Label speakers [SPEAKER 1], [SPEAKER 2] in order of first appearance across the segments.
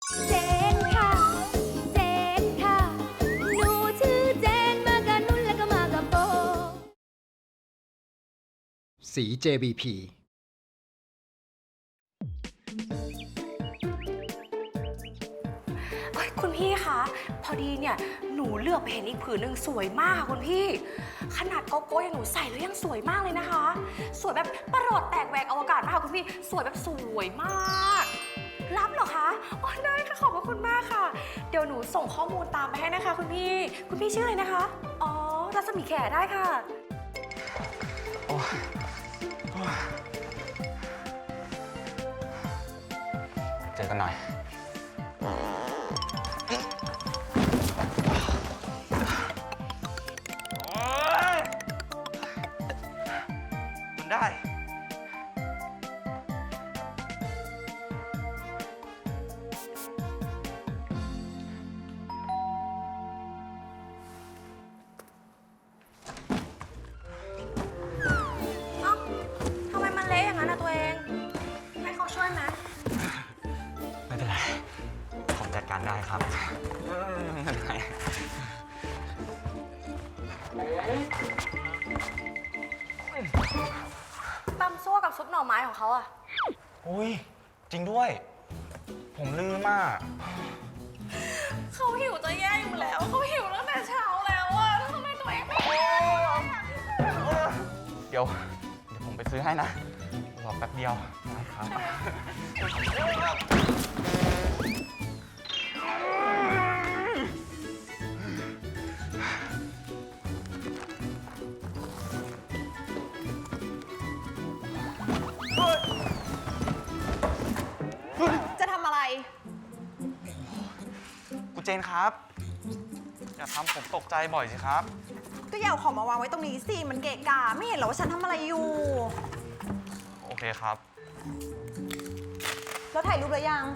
[SPEAKER 1] เจนค่ะเจนค่ะหนูชื่อเจนมากับนุ่นแล้วก็มากับโบ
[SPEAKER 2] สี JBP
[SPEAKER 3] คุณพี่คะพอดีเนี่ยหนูเลือกไปเห็นอีกผืนหนึ่งสวยมากค่ะคุณพี่ขนาดโกโก้อย่างหนูใส่แล้วยังสวยมากเลยนะคะสวยแบบประหลอดแตกแหวกอวกาศมากค่ะคุณพี่สวยแบบสวยมากรับเหรอคะอ๋อได้ค่ะขอบพระคุณมากค่ะเดี๋ยวหนูส่งข้อมูลตามไปให้นะคะคุณพี่ชื่ออะไรนะคะอ๋อรัศมีแขได้ค่ะ
[SPEAKER 4] เจอกันหน่อยมันได้
[SPEAKER 3] เอ้าทำไมมันเละอย่างนั้นนะตัวเอง ให้เขาช่วยไหม
[SPEAKER 4] ไม่เป็นไร ผมจัดการได้ครับไม่เป็นไร
[SPEAKER 3] ตำซั่วกับซุปหน่อไม้ของเขาอะ
[SPEAKER 4] อุ้ย จริงด้วย ผมลืมอ่ะ
[SPEAKER 3] เขาหิวจะแย่อยู่แล้วเขาหิวตั้งแต่เช้าแล้วอะแล้วทำไมตัวเองไม่กินอะ
[SPEAKER 4] เดี๋ยวผมไปซื้อให้นะ รอแป๊บเดียวได้ครับ
[SPEAKER 5] จะทำอะไร
[SPEAKER 4] คุณเจนครับ อย่าทำผมตกใจบ่อยสิครับ
[SPEAKER 5] ก็อย่าเอาของมาวางไว้ตรงนี้สิ มันเกะกะไม่เห็นเหรอว่าฉันทำอะไรอยู่
[SPEAKER 4] โอเคครับ
[SPEAKER 5] แล้วถ่ายรูปแล้วยัง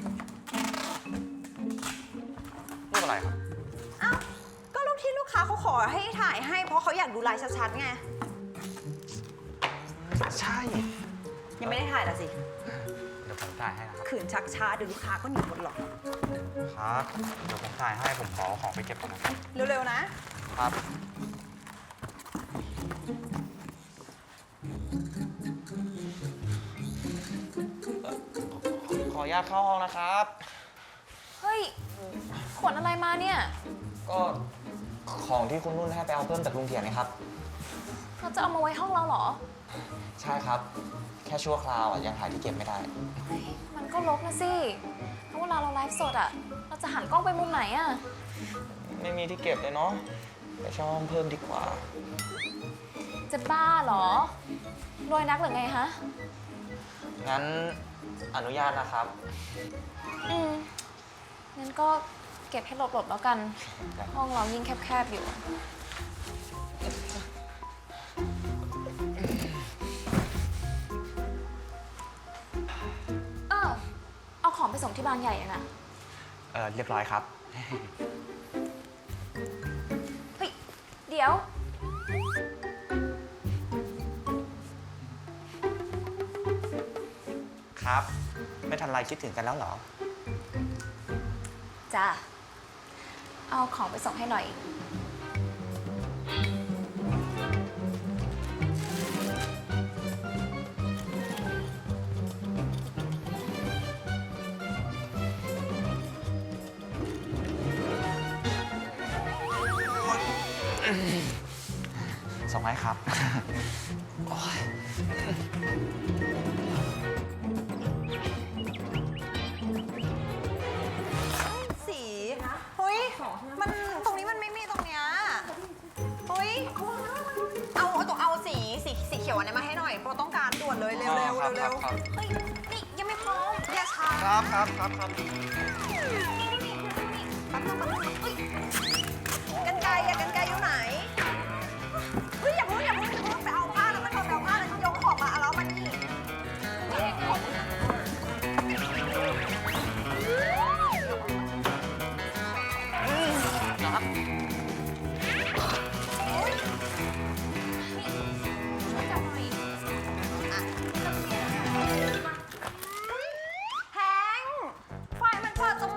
[SPEAKER 4] รูปอะไรครับ
[SPEAKER 5] อ้าว ก็รูปที่ลูกค้าเขาขอให้ถ่ายให้ เพราะเขาอยากดูลายชัดๆไง
[SPEAKER 4] ใช่
[SPEAKER 5] ยังไม่ได้ถ่ายละสิ
[SPEAKER 4] เดี๋ยวผมถ่ายให้นะครับ
[SPEAKER 5] ขืนชักช้าเดี๋ยวลูกค้าก็หนีหมดหรอก
[SPEAKER 4] ครับ เดี๋ยวผมถ่ายให้ ผมขอของไปเก็บก่อนนะครับ
[SPEAKER 5] เร็วๆนะ
[SPEAKER 4] ครับ ขออนุญาตเข้าห้องนะครับ
[SPEAKER 3] เฮ้ย ขนอะไรมาเนี่ย
[SPEAKER 4] ก็ของที่คุณนุ่นให้ไปเอาเพิ่มจากลุงเถียนนะครับ
[SPEAKER 3] เราจะเอามาไว้ห้องเราเหรอ
[SPEAKER 4] ใช่ครับ แค่ชั่วคราวยังหาที่เก็บไม่ได้
[SPEAKER 3] มันก็รกนะสิแล้วเวลาเราไลฟ์สดอะเราจะหันกล้องไปมุมไหนอะ
[SPEAKER 4] ไม่มีที่เก็บเลยเนาะ ไปเช่าห้องเพิ่มดีกว่า
[SPEAKER 3] จะบ้าเหรอรวยนักหรือไงฮะ
[SPEAKER 4] งั้นอนุญาตนะครับ
[SPEAKER 3] งั้นก็เก็บให้หลบๆแล้วกัน ห้องเรายิ่งแคบๆอยู่ เอาของไปส่งที่บางใหญ่อะนะ
[SPEAKER 4] เรียบร้อยครับ
[SPEAKER 3] เฮ้ย เดี๋ยว
[SPEAKER 4] ครับ ไม่ทันไรคิดถึงกันแล้วเหรอ
[SPEAKER 3] จ้ะ เอาของไปส่งให้หน่อย
[SPEAKER 4] ส่งให้ครับ โอ๊ย
[SPEAKER 5] สี เฮ้ย มันตรงนี้มันไม่มีตรงเนี้ย เฮ้ย เอาสีเขียวอันนี้มาให้หน่อยเพราะต้องการด่วนเลยเร็วๆเร็ว
[SPEAKER 4] ครับ
[SPEAKER 5] เร็ว
[SPEAKER 4] ครับ
[SPEAKER 5] เฮ้ย นี่ยังไม่พร้อมอย่าช้า
[SPEAKER 4] ครับครับครับ
[SPEAKER 5] แป๊บนึงเฮ้ยกันไกรอยู่ไหน เฮ้ยอย่าเพิ่งไปเอาผ้าแล้วมันไปเอาผ้าแล้วยกของมาเอาแล้วมันนี่แฮงไฟมันเปิดจ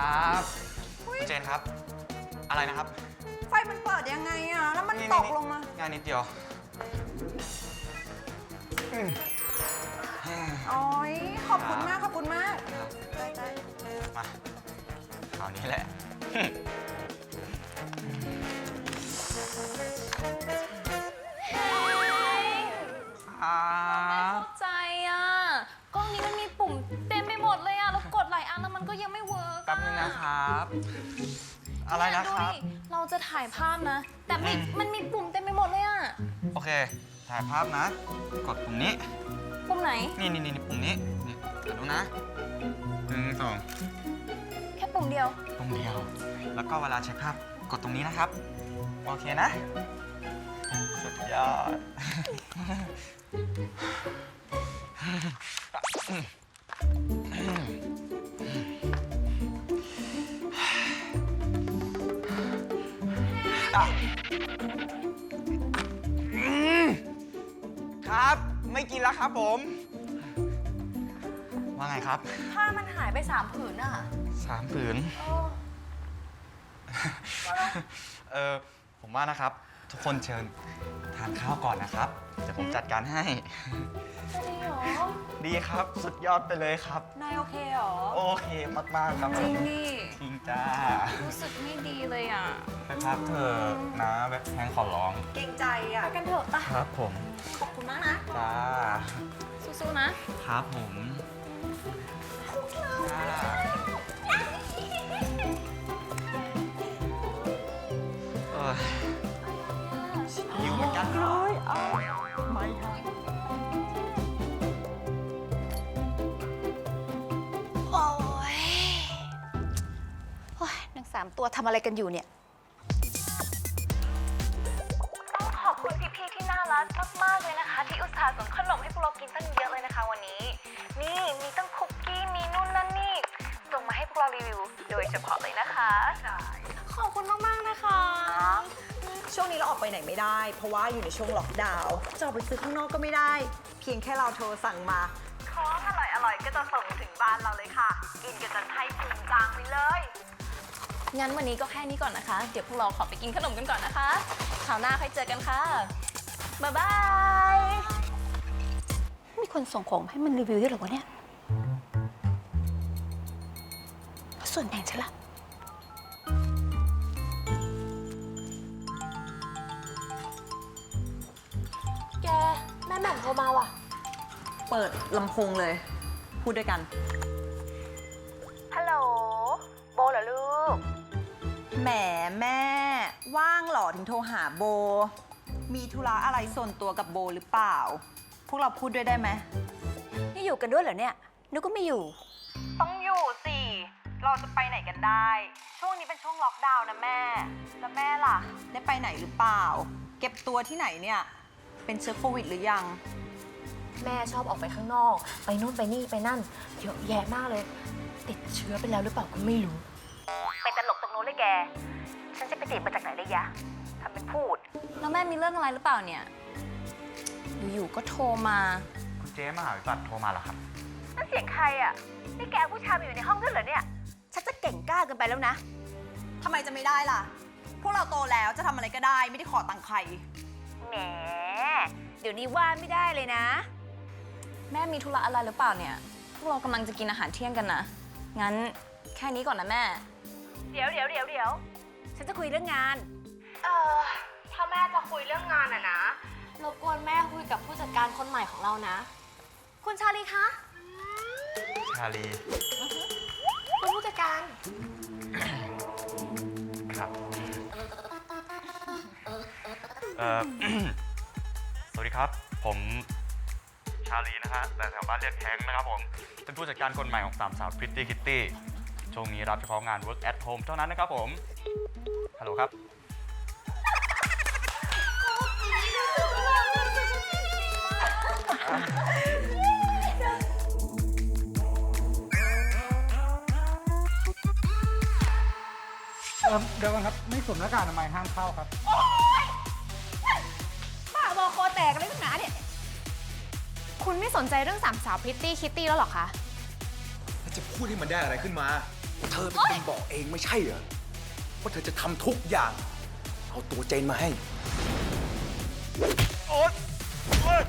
[SPEAKER 4] ครับคุณเจนครับ อะไรนะครับ
[SPEAKER 5] ไฟมันเปิดยังไงอะแล้วมันตกลงมา
[SPEAKER 4] งานนิดเดียว
[SPEAKER 5] โอ้ยขอบคุณมาก ขอบคุณมาก
[SPEAKER 4] ครับ
[SPEAKER 5] ใจ
[SPEAKER 4] มาคราวนี้แหละ ครับ
[SPEAKER 1] เข้าใจอ่ะ กล้องนี้มันมีปุ่มเต็มไปหมดเลยอ่ะ แล้วกดหลายอันแล้วมันก็ยังไม่เวิร์ก
[SPEAKER 4] แป๊บนึงนะครับ อะไรนะครับ
[SPEAKER 1] ดูดิเราจะถ่ายภาพนะ แต่มันมีปุ่มเต็มไปหมดเลยอ่ะ
[SPEAKER 4] โอเค ถ่ายภาพนะ กดปุ่มนี้
[SPEAKER 1] ปุ่มไหน
[SPEAKER 4] นี่ปุ่มนี้ นี่เดี๋ยวดูนะ1 2
[SPEAKER 1] แค่ปุ่มเดียว
[SPEAKER 4] ปุ่มเดียว แล้วก็เวลาเช็คภาพ กดตรงนี้นะครับ โอเคนะ สุดยอด ครับ ไม่กินแล้วครับผม ว่าไงครับ
[SPEAKER 3] ผ้ามันหายไป3 ผืนอะ
[SPEAKER 4] 3 ผืน ผมว่านะครับ ทุกคนเชิญทานข้าวก่อนนะครับ เดี๋ยวผมจัดการให้
[SPEAKER 1] จะดีเหรอ
[SPEAKER 4] ดีครับ สุดยอดไปเลยครับ
[SPEAKER 3] นายโอเคเหรอ
[SPEAKER 4] โอเคมาก ๆ ครับ
[SPEAKER 1] จริง
[SPEAKER 4] ผม
[SPEAKER 1] ดิ
[SPEAKER 4] จริงจ้า
[SPEAKER 1] รู้สึกไม่ดีเลยอ่ะ
[SPEAKER 4] ไปพักเถอะนะแบบแพงขอร้อง
[SPEAKER 5] ๆ เกรงใจอะ
[SPEAKER 1] ไปกันเถอะปะ
[SPEAKER 4] ครับผม
[SPEAKER 5] ขอบคุณมากนะ
[SPEAKER 4] จ้า
[SPEAKER 1] สู้ๆนะ
[SPEAKER 4] ครับผมจ้าเอ้ยหิวเหมือนกันเนาะ
[SPEAKER 3] โอ้ยนาง3 ตัวทำอะไรกันอยู่เนี่ย
[SPEAKER 1] ต้องขอบคุณพี่ๆที่น่ารักมากๆเลยนะคะ ที่อุตส่าห์ส่งขนมให้พวกเรากินตั้งเยอะเลยนะคะวันนี้ นี่มีตั้งคุกกี้มีนู่นนั่นนี่ส่งมาให้พวกเรารีวิวโดยเฉพาะเลยนะคะขอบคุณมากๆนะคะ
[SPEAKER 5] ช่วงนี้เราออกไปไหนไม่ได้ เพราะว่าอยู่ในช่วงล็อกดาวน์จะออกไปซื้อข้างนอกก็ไม่ได้ เพียงแค่เราโทรสั่งมา
[SPEAKER 1] ของอร่อยๆก็จะส่งถึงบ้านเราเลยค่ะ กินกันจนให้พุงกลางไปเลยงั้นวันนี้ก็แค่นี้ก่อนนะคะ เดี๋ยวพวกเราขอไปกินขนมกันก่อนนะคะคราวหน้าค่อยเจอกันค่ะบ๊ายบาย
[SPEAKER 3] มีคนส่งของให้มันรีวิวด้วยเหรอวะเนี่ยส่วนแบ่งฉันละ
[SPEAKER 1] แกแม่แหม่มโทรมาว่ะ
[SPEAKER 5] เปิดลำโพงเลย พูดด้วยกัน
[SPEAKER 1] ฮัลโหลโบเหรอลูก
[SPEAKER 5] แหมแม่ ว่างเหรอถึงโทรหาโบ มีธุระอะไรส่วนตัวกับโบหรือเปล่า พวกเราพูดด้วยได้ไหม
[SPEAKER 3] นี่อยู่กันด้วยเหรอเนี่ยนึกก็ไม่อยู่
[SPEAKER 5] ต้องอยู่สิ เราจะไปไหนกันได้ ช่วงนี้เป็นช่วงล็อกดาวน์นะแม่ แล้วแม่ล่ะ ได้ไปไหนหรือเปล่า เก็บตัวที่ไหนเนี่ย เป็นเชื้อโควิดหรือยัง
[SPEAKER 1] แม่ชอบออกไปข้างนอก ไปนู่นไปนี่ไปนั่นเยอะแยะมากเลย ติดเชื้อไปแล้วหรือเปล่าก็ไม่รู้
[SPEAKER 6] ไปตลกตรงโน้นเลยแก ฉันจะไปติดมาจากไหนเลยยะทำเป็นพูด
[SPEAKER 1] แล้วแม่มีเรื่องอะไรหรือเปล่าเนี่ย อยู่ๆก็โทรมา
[SPEAKER 4] คุณเจ๊มหาวิบัติโทรมาเหรอครับ
[SPEAKER 6] นั่นเสียงใครอ่ะ นี่แกเอาผู้ชายมาอยู่ในห้องด้วยเหรอเนี่ย
[SPEAKER 3] ฉันจะเก่งกล้าเกินไปแล้วนะ
[SPEAKER 5] ทำไมจะไม่ได้ล่ะ พวกเราโตแล้วจะทำอะไรก็ได้ ไม่ได้ขอตังค์ใคร
[SPEAKER 6] แหม
[SPEAKER 3] เดี๋ยวนี้ว่าไม่ได้เลยนะ
[SPEAKER 1] แม่มีธุระอะไรหรือเปล่าเนี่ย พวกเรากำลังจะกินอาหารเที่ยงกันนะ งั้นแค่นี้ก่อนนะแม่
[SPEAKER 6] เดี๋ยว
[SPEAKER 3] ฉันจะคุยเรื่องงานถ้าแม่จะคุยเรื่องงานอะนะรบกวนแม่คุยกับผู้จัดการคนใหม่ของเรานะ คุณชาลีคะ
[SPEAKER 4] ชาลี
[SPEAKER 3] คุณผู้จัดการ
[SPEAKER 4] ครับ สวัสดีครับ ผมชาลีนะฮะแต่แถวบ้านเรียกแฮงค์นะครับผม เป็นผู้จัดการคนใหม่ของสามสาว Pretty Kitty ช่วงนี้รับเฉพาะงาน Work at Home เท่านั้นนะครับผม ฮัลโหลครับ
[SPEAKER 2] เดี๋ยวก่อนครับ ไม่สวมหน้ากากอนามัยห้ามเข้าครับ
[SPEAKER 3] บ้าบอคอแตกอะไรตั้งหนาเนี่ย
[SPEAKER 1] คุณไม่สนใจเรื่องสามสาวพริตตี้คิตตี้แล้วหรอคะ
[SPEAKER 7] แล้วจะพูดให้มันได้อะไรขึ้นมาเธอเป็นคนบอกเองไม่ใช่เหรอว่าเธอจะทำทุกอย่าง เอาตัวเจนมาให้
[SPEAKER 4] โอ๊ยโอ๊ย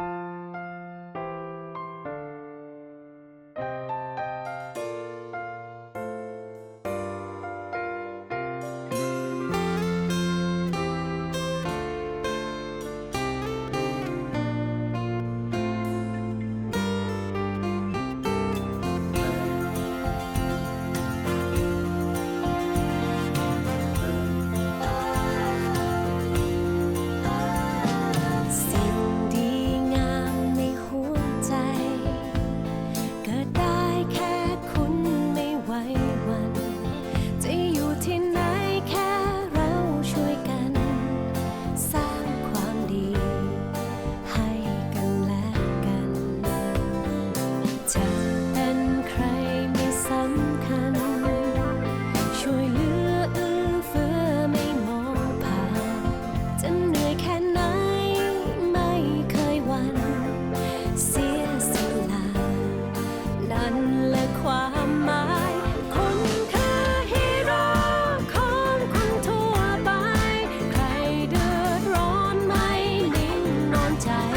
[SPEAKER 8] สิ่งดีงามในหัวใจเกิดได้แค่คุณไม่ไหวหวันจะอยู่ที่ไหนแค่เราช่วยกัน สร้างความดีให้กันและกัน จะเป็นใครไม่สำคัญ ช่วยเหลือเอื้อเฟื้อไม่มองผ่าน จะเหนื่อยแค่ไหนไม่เคยหวั่นเสียสละนั่นแหละความหมายคุณคือฮีโร่ของคนทั่วไป ใครเดือดร้อนไม่นิ่งนอนใจ